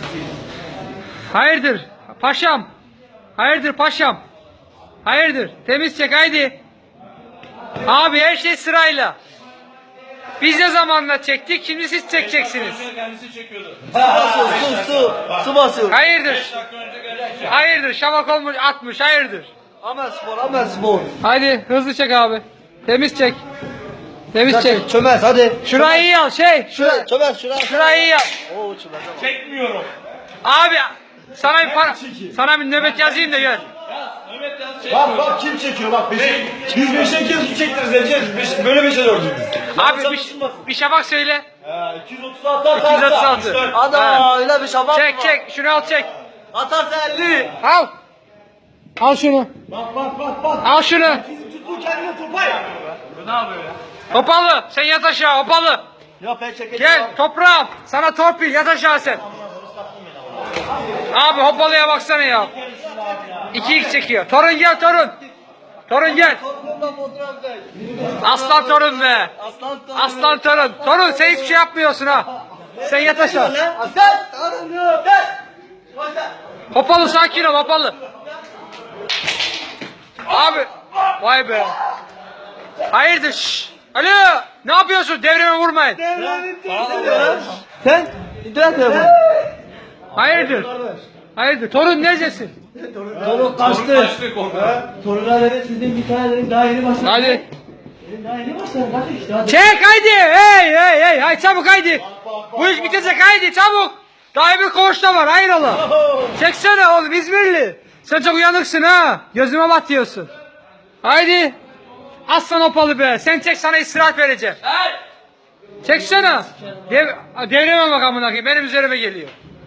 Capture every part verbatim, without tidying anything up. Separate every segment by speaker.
Speaker 1: Hayırdır paşam? Hayırdır paşam? Hayırdır? Temiz çek haydi. Abi her şey sırayla. Biz ne zamanla çektik, şimdi siz çekeceksiniz.
Speaker 2: Kendisi çekiyordu.
Speaker 3: Su basıyor, su, su. Su basıyor.
Speaker 1: Hayırdır? Hayırdır? Şabak olmuş, atmış, hayırdır?
Speaker 3: Amel spor, amel spor.
Speaker 1: Haydi hızlı çek abi. Temiz çek. Temiz çek.
Speaker 3: Çömez hadi.
Speaker 1: Şurayı iyi al şey.
Speaker 3: Şuraya, çömez şuraya.
Speaker 1: Şurayı iyi al.
Speaker 3: Oo çömez ama.
Speaker 2: Çekmiyorum.
Speaker 1: Abi sana bir para, sana bir nöbet yazayım da gör.
Speaker 2: Mehmet yaz
Speaker 4: Bak
Speaker 2: çekmiyor.
Speaker 4: bak kim çekiyor bak beşe, biz beşe kez su çektiririz Ece. Beş, böyle beşe dördüz biz.
Speaker 1: Abi bir, bir şabak söyle.
Speaker 4: Ha, iki yüz otuz altı atarsa.
Speaker 1: iki yüz otuz altı.
Speaker 3: Ada öyle bir şabak
Speaker 1: Çek
Speaker 3: mı?
Speaker 1: çek şunu al çek.
Speaker 3: Atarsa elli.
Speaker 1: Al. Al şunu.
Speaker 4: Bak bak bak bak.
Speaker 1: Al şunu.
Speaker 4: Bizim tuttuğu kendine topay.
Speaker 2: Bu ne yapıyor ya?
Speaker 1: Hopalı sen yat aşağı hopalı.
Speaker 3: Ya ben çekeceğim.
Speaker 1: Gel toprağım. Sana torpil yat aşağı sen. Abi hopalıya baksana ya. iki x çekiyor. Torun gel torun. Torun gel.
Speaker 3: Torunumla fotoğraf ver.
Speaker 1: Aslan torun be.
Speaker 3: Aslan torun.
Speaker 1: Aslan torun. Torun sen hiçbir şey yapmıyorsun ha. Sen yat aşağı.
Speaker 3: Aslan torunum. Gel.
Speaker 1: Hopalı sakin ol hopalı. Abi. Vay be. Hayırdır şşş. Alo. Ne yapıyorsun? Devreme vurmayın.
Speaker 3: Sen internet telefonu.
Speaker 1: Hayırdır? Hayırdır? Torun neredesin?
Speaker 3: Torun kaçtı. Torunlar verin sizin bir tane dedim daha yeni başladı.
Speaker 1: Hadi.
Speaker 3: Benim daha yeni başladı. Hadi işte hadi.
Speaker 1: Çek haydi. Hey hey hey. Hay çabuk haydi. Bu iş bitecek haydi çabuk. Daha bir koğuşta var hayrola. Çeksene oğlum İzmirli. Sen çok uyanıksın ha. Gözüme batıyorsun. Haydi. Aslan hopalı be. Sen çek sana istirahat vereceğim. Çeksene. Dev, devreme bak amına koyayım. Benim üzerime geliyor.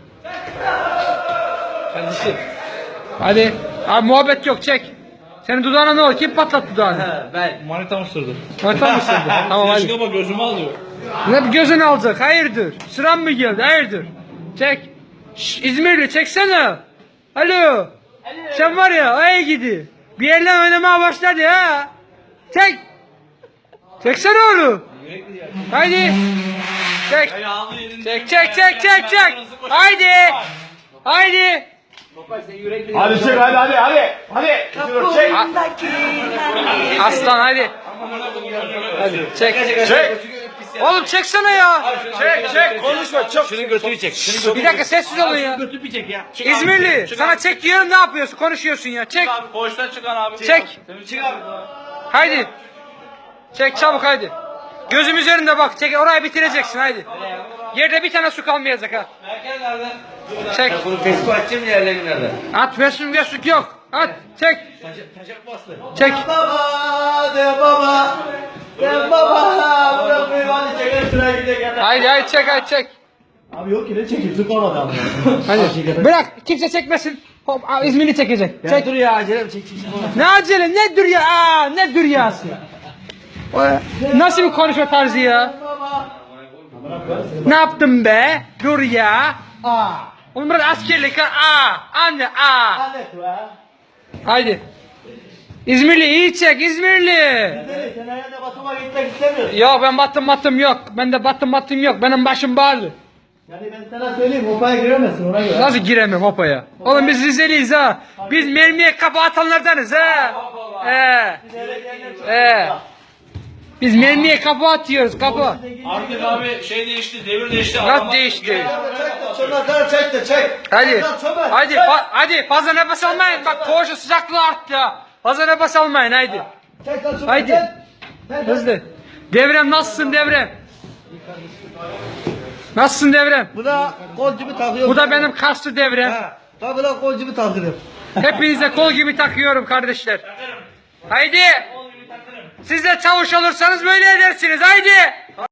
Speaker 1: Kardeşim. Hadi. Abi muhabbet yok çek. Senin dudağına ne oldu? Kim patlattı dudağını?
Speaker 3: Ben.
Speaker 2: Manita mı sürdü?
Speaker 1: Manita mı sürdü? Tamam hadi.
Speaker 2: Yaşık ama gözümü alıyor.
Speaker 1: Ne gözünü alacak? Hayırdır? Sıran mı geldi? Hayırdır? Çek. Şş, İzmirli çeksene. Alo. Sen var ya ay gidi. Bir yerden oynamaya başladı ha. Çek. Çeksene oğlum. Haydi. Çek. Çek çek çek çek çek. Haydi. Haydi.
Speaker 4: Hadi çek hadi hadi hadi. Hadi. Çek.
Speaker 1: Aslan hadi. Hadi çek.
Speaker 4: Çek.
Speaker 1: Oğlum çeksene ya.
Speaker 4: Çek çek konuşma çok.
Speaker 2: Şunun götünü çek. Şunun götünü
Speaker 1: Bir dakika sessiz olun ya.
Speaker 2: götünü bir çek ya. Çık
Speaker 1: İzmirli.
Speaker 2: Çık
Speaker 1: Sana
Speaker 2: abi.
Speaker 1: çek diyorum ne yapıyorsun? Konuşuyorsun ya. Çek.
Speaker 2: Çık abi. Koğuştan çıkan abi.
Speaker 1: Çek.
Speaker 2: Çık abi.
Speaker 1: Haydi. Çek çabuk haydi. Gözüm üzerinde bak. Çek orayı bitireceksin haydi. Yerde bir tane su kalmayacak ha.
Speaker 2: Merkez nerede?
Speaker 1: Çek.
Speaker 3: Bunu Facebook açayım yerlerin nerede?
Speaker 1: At versin vesuk yok. At çek.
Speaker 2: Taşak bastı.
Speaker 1: Çek.
Speaker 3: Baba de baba. De baba. Bırakmayın hadi çeker şuraya gidelim.
Speaker 1: Haydi haydi çek haydi çek.
Speaker 3: Abi yok ki ne çekeyim su kalmadı abi.
Speaker 1: Hadi. Bırak kimse çekmesin. Hop aa, İzmirli çekecek. Çek.
Speaker 3: Dur ya acelem çek çek.
Speaker 1: Ne acele ne dur ya. Aa, ne dur yası. Nasıl bir konuşma tarzı ya? Ne yaptın be? Dur ya.
Speaker 3: Aa.
Speaker 1: Oğlum burada askerlik ha. Aa, anne aa.
Speaker 3: Hadi be.
Speaker 1: Haydi. İzmirli iyi çek İzmirli.
Speaker 3: Deli sen herhalde Batum'a gitmek istemiyorsun.
Speaker 1: Yok ben battım battım yok. Bende battım battım yok. Benim başım bağlı.
Speaker 3: Yani ben sana söyleyeyim hopaya giremezsin ona göre.
Speaker 1: Nasıl giremem hopaya? Oğlum biz Rizeliyiz ha. Biz mermiye kafa atanlardanız ha. Ee. Ee. Biz mermiye kafa atıyoruz kafa.
Speaker 2: Artık abi şey değişti. Devir değişti.
Speaker 1: Nasıl değişti?
Speaker 3: Çek de çömezler çek de çek.
Speaker 1: Hadi.
Speaker 3: Çömez, çömez,
Speaker 1: Hadi.
Speaker 3: çek.
Speaker 1: fa- hadi fazla nefes almayın. Bak koğuşun sıcaklığı arttı ha. Fazla nefes almayın haydi.
Speaker 3: Çek lan çömez.
Speaker 1: Haydi.
Speaker 3: Çek. Çek.
Speaker 1: Hızlı. Devrem nasılsın devrem? Nasılsın devrem?
Speaker 3: Bu da kol gibi takıyor.
Speaker 1: Bu da benim kaslı devrem.
Speaker 3: Ha. Tabi lan kol gibi takıyor.
Speaker 1: Hepinize kol gibi takıyorum kardeşler. Haydi. Siz de çavuş olursanız böyle edersiniz. Haydi.